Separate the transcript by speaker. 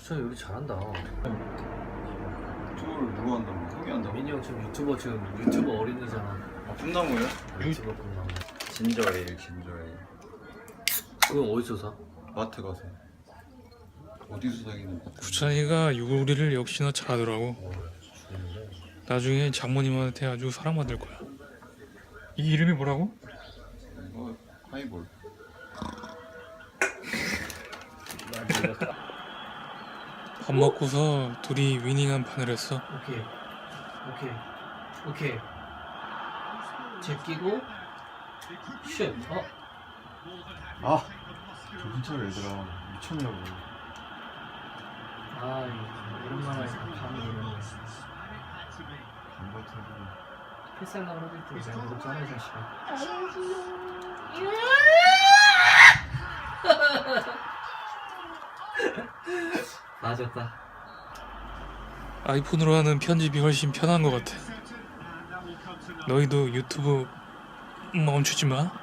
Speaker 1: 수찬이 요리 잘한다.
Speaker 2: 유튜브를 누가 한다고? 형이 한다고?
Speaker 1: 민이 형 지금 유튜버 어린이잖아.
Speaker 2: 아 꿈나무예요?
Speaker 1: 유튜버 끝나고.
Speaker 2: 진저에일 진저에일.
Speaker 1: 그건 어디서 사?
Speaker 2: 마트 가서. 어디서 사기는?
Speaker 3: 구찬이가 요리를 역시나 잘하더라고. 나중에 장모님한테 아주 사랑받을 거야. 이 이름이 뭐라고?
Speaker 2: 이거 하이볼.
Speaker 3: 밥 먹고서 둘이 위닝 한 판을 했어.
Speaker 1: 오케이. 제끼고 슛.
Speaker 2: 아! 정신 차려 얘들아. 미쳤냐고.
Speaker 1: 오랜만에 감이 오네.
Speaker 2: 안 같은
Speaker 1: 패스하려고 하더니 내가 먹었잖아 이 자식아. 맞았다.
Speaker 3: 아이폰으로 하는 편집이 훨씬 편한 것 같아. 너희도 유튜브 멈추지 마.